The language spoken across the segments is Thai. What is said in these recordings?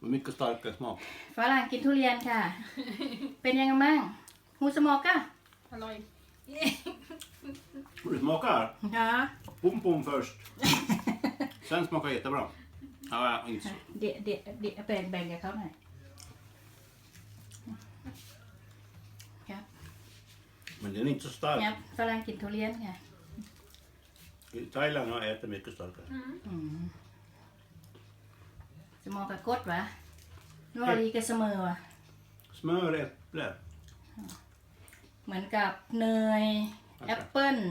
Mycket starkare smak. ฝรั่งกินทุเรียนค่ะ เป็นยังไงบ้างฮูสมอกอะอร่อย Och det smakar ฮะ pom pom först. Sen smakar jättebra. Ja, inte så. เดี๋ยวแบ่งกับเขาหน่อยครับ Men den är inte så ครั stark. บฝรั่งกินทุเรียนค่ะ I Thailand har jag ätit mycket starkare. สมอกกับกดวะนัวดีกับเสมอวะ Smör, äpple. เหมือนกับเนยแอปเปิ้ล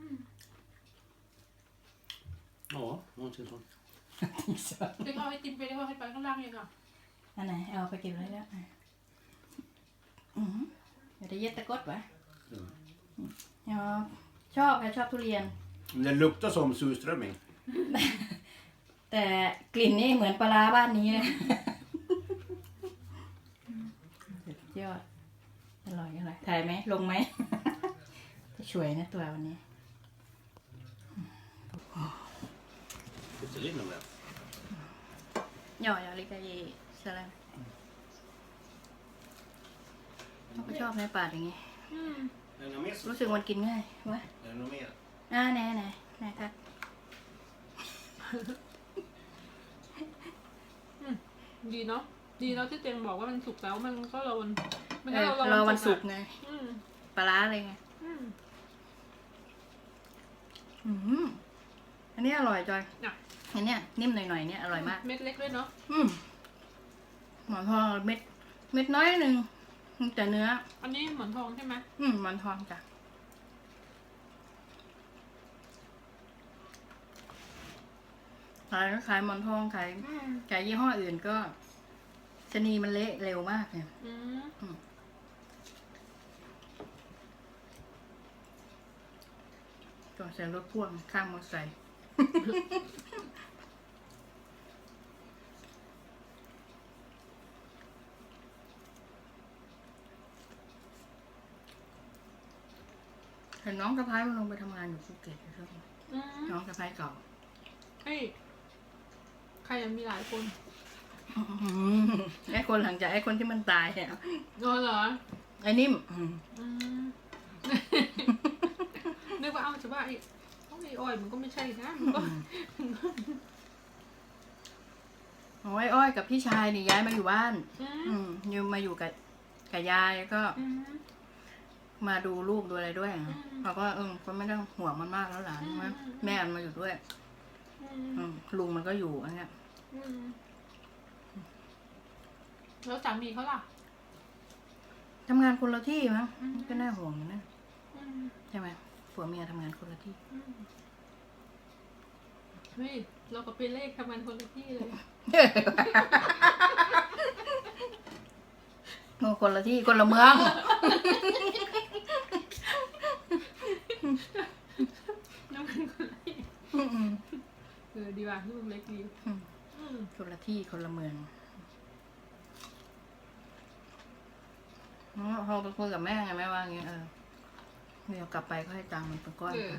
Ja, någonting sånt. ดึงเอาไอติมไปได้ว่าให้ไปข้างล่างยังอ่ะอันไหนเอาไปเก็บไว้แล้วเดี๋ยวจะเย็ดตะกดวะชอบค่ะชอบทุเรียน Men den luktar som surströmming. แต่กลิ่นนี่เหมือนปลาร้าบ้านนี้เลยสุดยอดอร่อยถ่ายไหมลงไหม จะช่วยนะตัววันนี้ Lite linne med. ย่อยลิกาเยสลัมเขาชอบไหมปาดอย่างงี้ Är det något mer? รู้สึกมันกินง่ายวะ Är det något mer? ไหนครับดีเนาะดีเนาะที่เจงบอกว่ามันสุกแล้วมันก็รอวันมันรอวันศุกร์ไงอืมปลาร้าเลยไงอืมอันนี้อร่อยจอยอ่ะอันเนี้ยนิ่มหน่อยๆเนี่ยอร่อยมากเม็ดเล็กด้วยเนาะหมอนทองเม็ดน้อยหนึ่งแต่เนื้ออันนี้หมอนทองใช่ไหมหมอนทองจ้ะขายหมอนทองขายยี่ห้ออื่นก็ชะนีมันเละเร็วมากเนี่ยอืมก็ใส่รถพ่วงข้างมอเตอร์ไซค์เห็นน้องสะพ้ายมันลงไปทำงานอยู่ภูเก็ตอยู่ช่วงนี้อืมน้องสะพ้ายเก่าเฮ้ยใครยังมีหลายคนไอ้คนหลังจากไอ้คนที่มันตายเนี่ยอ๋อเหรอไอ้นิ่มอืม นึกว่าเอาจะว่าไอ้อ้อยมันก็ไม่ใช่นะมันก็โอ้ยอ้อยกับพี่ชายนี่ย้ายมาอยู่บ้านอืมอยู่มาอยู่กับยายก็อืมมาดูลูกดูอะไรด้วยอืมเขาก็ก็ไม่ต้องห่วงมันมากแล้วหลานอืมใช่ไหมแม่มันมาอยู่ด้วย ลุงมันก็อยู่อันเนี้ยอืมแล้วสามีเขาล่ะทำงานคนละที่มั้งอืมก็น่าห่วงอยู่นะอืมใช่ไหมผัวเมียทำงานคนละที่อืมเฮ้ยเราก็ไปเลขทำงานคนละที่เลยคนละที่คนละเมืองน้ำมันคนละที่ดีว่ะลูกเล็กดีคนละที่คนละเมืองพอไปคุยกับแม่ไงแม่ว่าอย่างเงี้ยเดี๋ยวกลับไปก็ให้ตังค์มันเป็นก้อนไป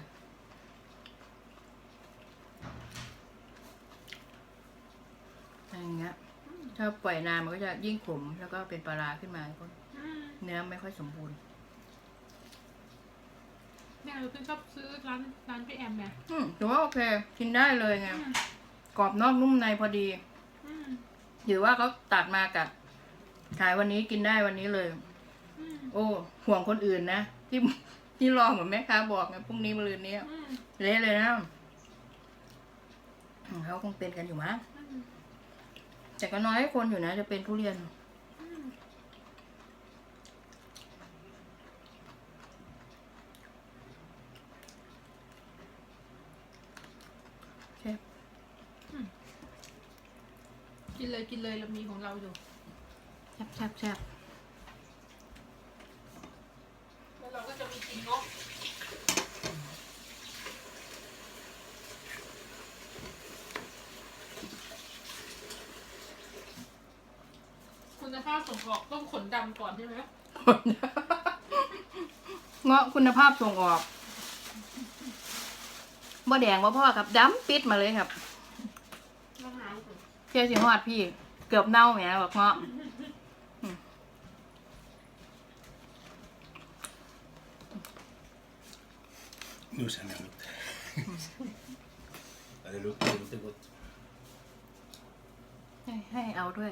อะไรอย่างเงี้ยถ้าปล่อยนานมันก็จะยิ่งขมแล้วก็เป็นปลาร้าขึ้นมาก็เนื้อไม่ค่อยสมบูรณ์แม่เราเพิ่งชอบซื้อร้านพี่แอมไงถือว่าโอเคกินได้เลยไงกรอบนอกนุ่มในพอดีถือว่าเขาตัดมากับขายวันนี้กินได้วันนี้เลย โอ้ห่วงคนอื่นนะที่รอเหมือนแม่ค้าบอกไงพรุ่งนี้มะรืนนี้เละเลยนะเขาคงเป็นกันอยู่มั้งแต่ก็น้อยคนอยู่นะจะเป็นทุเรียนกินเลยเรามีของเราอยู่แซ่บแล้วเราก็จะมีกินงบคุณภาพส่งออกต้องขนดำก่อนใช่ไหมเงาะคุณภาพส่งออกบ่แดงบ่พ่อครับดำปิดมาเลยครับมะนาวเพียสิฮอดพี่เกือบเน่าแหมบอกเงาะ Nu känner jag lukten. Ja, det luktar inte gott. ให้เอาด้วย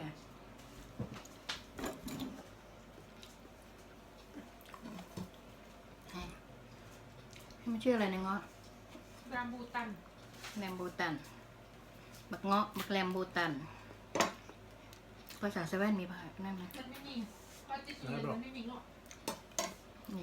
ให้มันชื่ออะไรนะเงาะรามบูตันแรมบูตันบักเงาะบักแรมบูตันภาษาเซเว่นมีภาษานั่นไหมมันไม่มีเพราะที่สุดเลยมันไม่มีเงาะนี่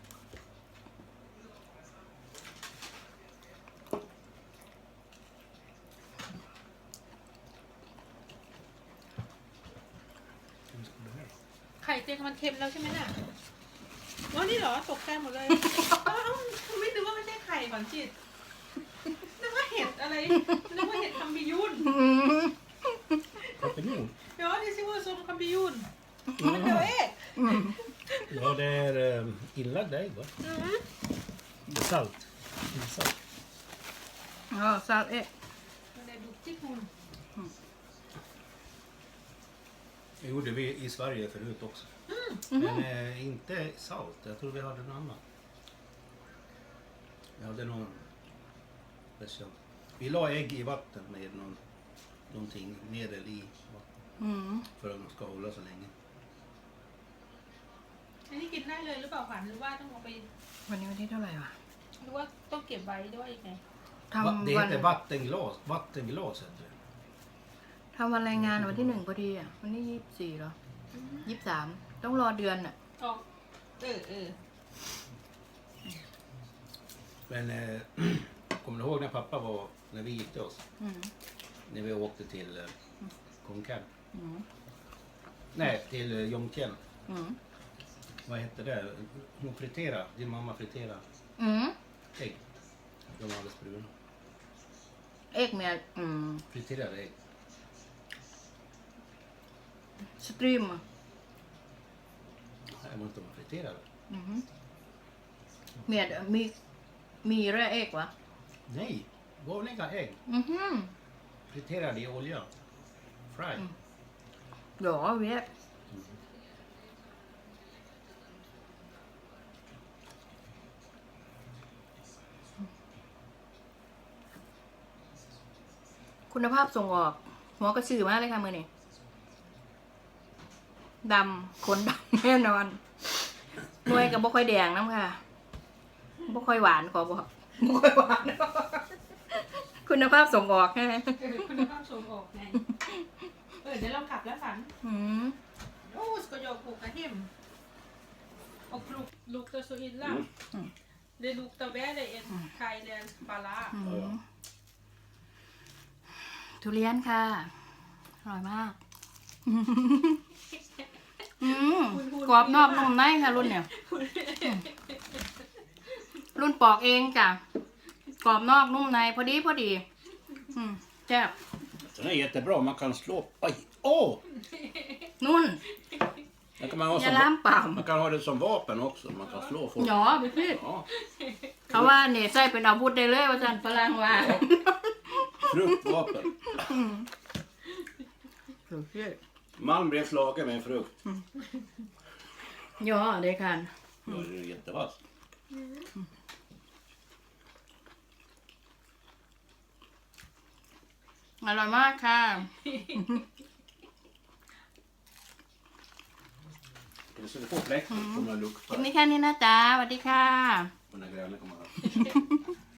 ไข่เจียวมันเค็มแล้วใช่ไหมน่ะอ๋อนี่เหรอตกใจหมดเลยอ้าวไม่นึกว่าไม่ใช่ไข่ก่อนจิตนึกว่าเห็ดอะไรนึกว่าเห็ดคัมบิยุน Champignon? Ja, det ser ut som champinjon. Men det var ägg. Ja, det är inlagda ägg va? Det är salt. Det är salt. อ๋อซาเอ๊ะ Men det är duktigt hon. Det gjorde vi i Sverige förut också. Men inte salt. Jag tror vi hade något annat. Vi hade någon special. Vi la ägg i vatten med någonting medel i vatten อืม för att de ska hålla så länge. อันนี้กินได้เลยหรือเปล่าขวัญหรือว่าต้องเอาไปวันนี้วันที่เท่าไหร่วะหรือว่าต้องเก็บไว้ด้วยยังไงทำ Det วัน heter vattenglas. Vattenglas heter det. ทำวันรายงานวันที่ 1พอดีอ่ะวันที่24เหรอ23ต้องรอเดือนอ่ะอ๋อเออ Men kommer du ihåg när pappa var, när vi gifte oss? อืม När vi åkte till Konkan? อืม Nej, till Jomtien. อืม Vad hette det? Hon friterade, din mamma friterade อืม ägg. De var alldeles bruna. เอกเมียอืม Friterade ägg. สตรีมอ่ะ Jag vet inte om de friterade. อืมเมียมีแร่เอกวะ Nej, vanliga ägg. อือหือ Friterade i olja. Fry. หรอเวียคุณภาพส่งออก หัวกระสือมากเลยค่ะมือนี่ดำขนดำแน่นอนหน่วยกับบ่ค่อยแดงน้ำค่ะบ่ค่อยหวานขอบอกบ่ค่อยหวาน คุณภาพส่งออกใช่ไหมคุณภาพส่งออกไงเดี๋ยวเรากลับแล้วฝันอืม Åh, ska jag åka hem? Och luktar så illa. Det luktar värre än thailändsk bala. อืมทุเรียนค่ะ อร่อยมาก อืมกรอบนอกนุ่มในค่ะรุ่นเนี่ย รุ่นปอกเองจ้ะ กรอบนอกนุ่มในพอดีพอดี อืมแซ่บ Den är jättebra. Man kan slå... Oj! Åh! นุ่น Den kan man ha อย่า som, ล้ามป่าม man kan ha det som vapen också. Man kan slå folk. หยอไปพี่ Ja. เขาว่าเนี่ยใส่เป็นอาวุธได้เลยว่าจันฝรั่งว่า Fruktvapen. สุดยอด Man blev slagen med en frukt. หยอdet kan Då är det jättevass. อร่อยมากค่ะ Så du får fläkt. Kommer att คลิป lukta. นี้แค่นี้นะจ๊ะสวัสดีค่ะ Och när grälen kommer här.